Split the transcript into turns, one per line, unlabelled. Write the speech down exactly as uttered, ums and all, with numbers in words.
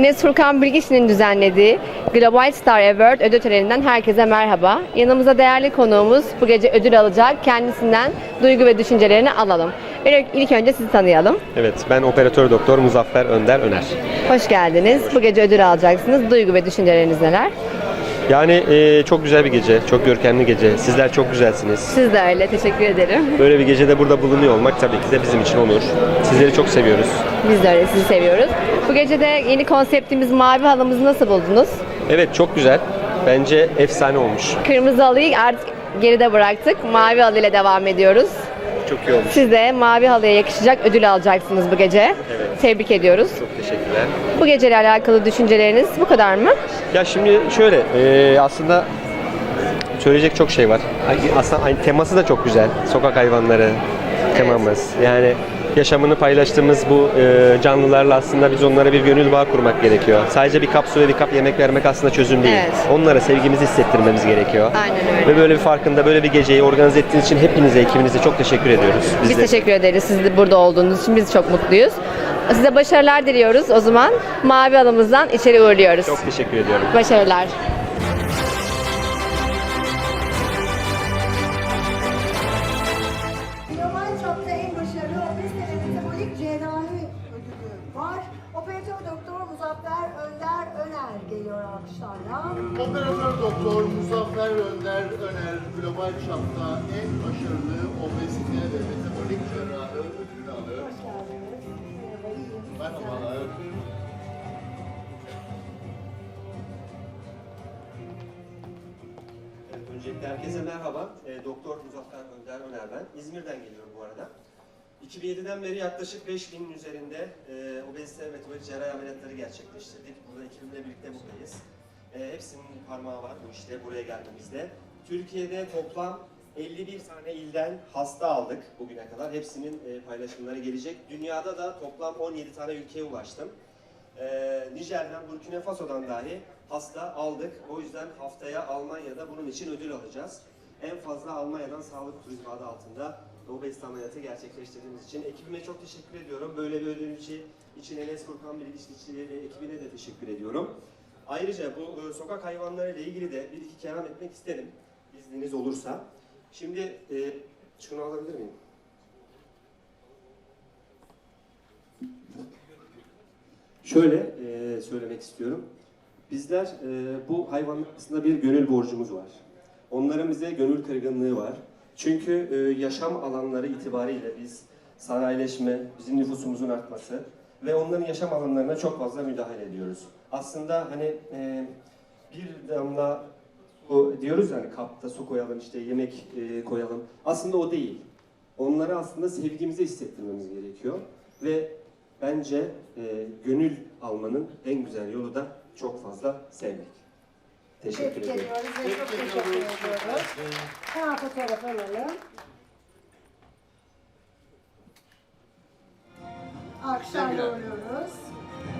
Enes Furkan Bilgiç'in düzenlediği Global Star Award ödül töreninden herkese merhaba. Yanımızda değerli konuğumuz bu gece ödül alacak. Kendisinden duygu ve düşüncelerini alalım. İlk önce sizi tanıyalım.
Evet, ben operatör doktor Muzaffer Önder Öner.
Hoş geldiniz. Bu gece ödül alacaksınız. Duygu ve düşünceleriniz neler?
Yani e, çok güzel bir gece, çok görkemli gece. Sizler çok güzelsiniz.
Siz de öyle. Teşekkür ederim.
Böyle bir gecede burada bulunuyor olmak tabii ki de bizim için onur. Sizleri çok seviyoruz.
Biz de öyle. Sizi seviyoruz. Bu gece de yeni konseptimiz Mavi Halımızı nasıl buldunuz?
Evet, çok güzel. Bence efsane olmuş.
Kırmızı halıyı artık geride bıraktık. Mavi halıyla devam ediyoruz.
Çok iyi olmuş.
Siz de mavi halıya yakışacak ödül alacaksınız bu gece.
Evet.
Tebrik ediyoruz.
Çok teşekkürler.
Bu geceyle alakalı düşünceleriniz bu kadar mı?
Ya şimdi şöyle, e, aslında söyleyecek çok şey var. Aslında aynı teması da çok güzel. Sokak hayvanları temamız. Yani yaşamını paylaştığımız bu e, canlılarla aslında biz onlara bir gönül bağı kurmak gerekiyor. Sadece bir kap su ve bir kap yemek vermek aslında çözüm değil.
Evet.
Onlara sevgimizi hissettirmemiz gerekiyor.
Aynen öyle.
Ve böyle bir farkında böyle bir geceyi organize ettiğiniz için hepinize, ekibinize çok teşekkür ediyoruz.
Biz,
Biz de-
teşekkür ederiz siz de burada olduğunuz için. Biz çok mutluyuz. Size başarılar diliyoruz. O zaman mavi halımızdan içeri uğurluyoruz.
Çok teşekkür ediyorum.
Başarılar.
Global çapta en başarılı obezite ve metabolik cerrahi ödülü var. Operatör doktor Muzaffer Önder Öner geliyor alkışlarla.
Operatör doktor Muzaffer Önder Öner global çapta en başarılı obezite ve metabolik cerrahı ödülünü alıyor.
Hoş geldiniz. Merhaba, iyiyim.
Merhabalar.
Evet, öncelikle herkese merhaba. E, Doktor Muzaffer Önder Öner ben. İzmir'den geliyorum bu arada. iki bin yediden beri yaklaşık beş binin üzerinde e, obezite ve metabolik cerrahi ameliyatları gerçekleştirdik. Burada ekibimle birlikte buradayız. E, hepsinin parmağı var bu işte buraya gelmemizde. Türkiye'de toplam elli bir tane ilden hasta aldık bugüne kadar. Hepsinin e, paylaşımları gelecek. Dünyada da toplam on yedi tane ülkeye ulaştım. Ee, Nijer'den, Burkina Faso'dan dahi hasta aldık. O yüzden haftaya Almanya'da bunun için ödül alacağız. En fazla Almanya'dan sağlık turizmi adı altında obezite ameliyatı gerçekleştirdiğimiz için ekibime çok teşekkür ediyorum. Böyle bir ödül için Enes Furkan Bilgiç ve ekibine de teşekkür ediyorum. Ayrıca bu e, sokak hayvanları ile ilgili de bir iki kelam etmek isterim. İzniniz olursa. Şimdi e, şunu alabilir miyim? Şöyle e, söylemek istiyorum. Bizler e, bu hayvanlar arasında bir gönül borcumuz var. Onların bize gönül kırgınlığı var. Çünkü e, yaşam alanları itibariyle biz sanayileşme, bizim nüfusumuzun artması ve onların yaşam alanlarına çok fazla müdahale ediyoruz. Aslında hani e, bir damla o diyoruz yani kapta su koyalım işte yemek e, koyalım. Aslında o değil. Onlara aslında sevgimizi hissettirmemiz gerekiyor ve bence e, gönül almanın en güzel yolu da çok fazla sevmek. Teşekkür
Tebrik
ederim.
ediyoruz ve çok teşekkür ediyoruz. Hemen fotoğraf alalım. Alkışlarla uğurluyoruz.